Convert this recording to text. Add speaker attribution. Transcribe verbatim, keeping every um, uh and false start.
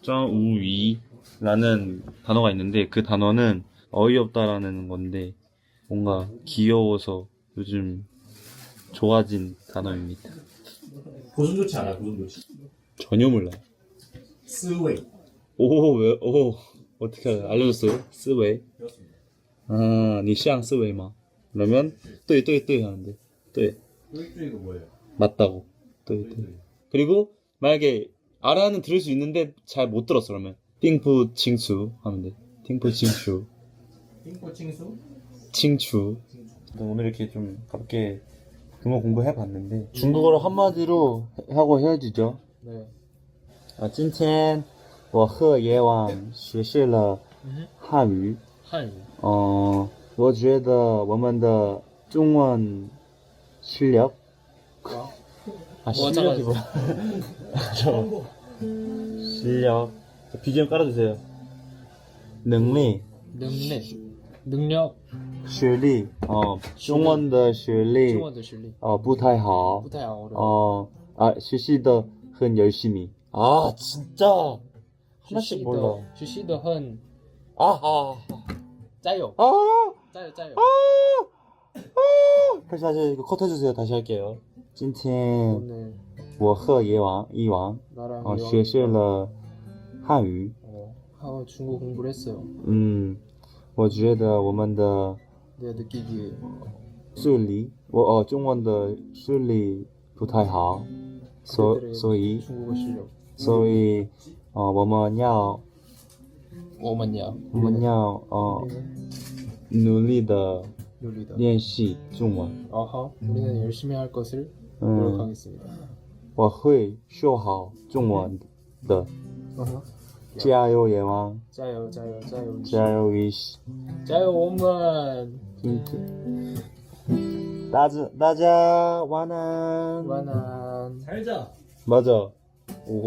Speaker 1: 짱우위라는 단어가 있는데 그 단어는 어이없다라는 건데 뭔가 귀여워서 요즘 좋아진 단어입니다.
Speaker 2: 고전 좋지 않아, 고전 좋지.
Speaker 1: 전혀 몰라요.
Speaker 2: 스웨이.
Speaker 1: 오, 왜, 오, 어떻게 알아? 알려줬어요? 스웨이? 아, 니 시앙 스웨이吗? 그러면, 对对对 하는데, 对.
Speaker 2: 뚜이뚜이가 뭐예요?
Speaker 1: 맞다고. 对对. 그리고, 만약에, 알아는 들을 수 있는데, 잘 못 들었어, 그러면. 띵푸 칭추 하면 돼. 띵푸 칭추.
Speaker 2: 띵꼬 칭수?
Speaker 1: 칭추. 오늘 이렇게 좀 가볍게 중국어 공부해봤는데, 중국어로 한마디로 하고 헤어지죠.
Speaker 2: 네.
Speaker 1: 啊，今天我和野网学习了汉语。
Speaker 2: 汉语.
Speaker 1: 嗯，我觉得我们的中文실력 아, 실력이 뭐야? 저 실력. 비지엠 깔아주세요. 능력,
Speaker 3: 능력, 능력,
Speaker 1: 学历, 어, 中文的学历,
Speaker 3: 中文的实力
Speaker 1: 어, 不太好.
Speaker 3: 不太好어려워.
Speaker 1: 어, 아, 学习的很열심히. 아, 진짜. 하나씩 몰라.
Speaker 3: 学习的很
Speaker 1: 아, 아,
Speaker 3: 加油
Speaker 1: 아,
Speaker 3: 加油加油
Speaker 1: 다시, 다시, 이거 컷 해주세요. 다시 할게요. 今天
Speaker 3: 오늘
Speaker 1: 我和野王一王
Speaker 3: 나랑
Speaker 1: 어,
Speaker 3: 이왕-
Speaker 1: 学习了汉语
Speaker 3: 어, 아, 중국 공부를 했어요.
Speaker 1: 嗯我觉得我们的
Speaker 3: 내가 느끼기에
Speaker 1: 视力我哦中文的视力不太好所
Speaker 3: 그들의
Speaker 1: 所以
Speaker 3: 중국어 실력
Speaker 1: 所以呃我们要
Speaker 3: 오만이야.
Speaker 1: 我们要呃努力的
Speaker 3: 요리다.
Speaker 1: 练习中文
Speaker 3: 아하, 우리는 열심히 할 것을
Speaker 1: 嗯
Speaker 3: 노력하겠습니다.
Speaker 1: 我会说好中文的
Speaker 3: 아하.
Speaker 1: 加油野王
Speaker 3: 자요 자요 자요
Speaker 1: 加油위시
Speaker 3: 자요 오만
Speaker 1: 大家大家晚安
Speaker 3: 완한
Speaker 2: 살자.
Speaker 1: 맞아